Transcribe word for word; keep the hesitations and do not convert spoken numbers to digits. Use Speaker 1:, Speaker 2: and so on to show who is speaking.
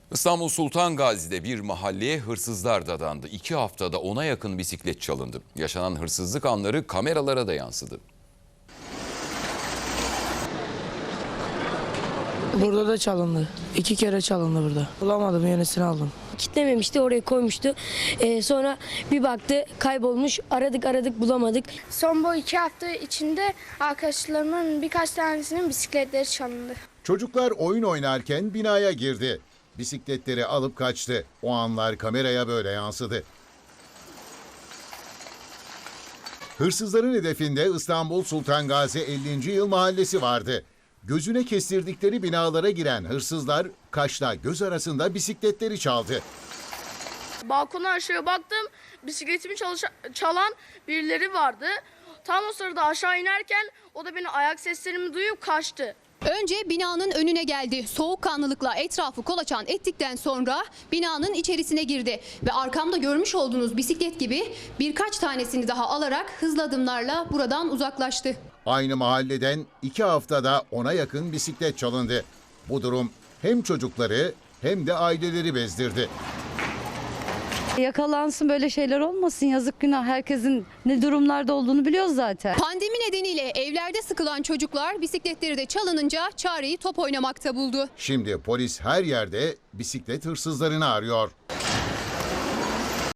Speaker 1: İstanbul Sultan Gazi'de bir mahalleye hırsızlar dadandı. İki haftada ona yakın bisiklet çalındı. Yaşanan hırsızlık anları kameralara da yansıdı.
Speaker 2: Burada da çalındı. İki kere çalındı burada. Bulamadım, yenisini aldım.
Speaker 3: Kitlememişti, oraya koymuştu. Ee, sonra bir baktı kaybolmuş. Aradık aradık bulamadık.
Speaker 4: Son bu iki hafta içinde arkadaşlarımın birkaç tanesinin bisikletleri çalındı.
Speaker 5: Çocuklar oyun oynarken binaya girdi. Bisikletleri alıp kaçtı. O anlar kameraya böyle yansıdı. Hırsızların hedefinde İstanbul Sultan Gazi ellinci Yıl Mahallesi vardı. Gözüne kestirdikleri binalara giren hırsızlar kaşla göz arasında bisikletleri çaldı.
Speaker 6: Balkona aşağıya baktım, bisikletimi çalışa- çalan birileri vardı. Tam o sırada aşağı inerken o da beni ayak seslerimi duyup kaçtı.
Speaker 7: Önce binanın önüne geldi. Soğukkanlılıkla etrafı kolaçan ettikten sonra binanın içerisine girdi. Ve arkamda görmüş olduğunuz bisiklet gibi birkaç tanesini daha alarak hızlı adımlarla buradan uzaklaştı.
Speaker 5: Aynı mahalleden iki haftada ona yakın bisiklet çalındı. Bu durum hem çocukları hem de aileleri bezdirdi.
Speaker 8: Yakalansın, böyle şeyler olmasın, yazık günah. Herkesin ne durumlarda olduğunu biliyoruz zaten.
Speaker 7: Pandemi nedeniyle evlerde sıkılan çocuklar bisikletleri de çalınınca çareyi top oynamakta buldu.
Speaker 5: Şimdi polis her yerde bisiklet hırsızlarını arıyor.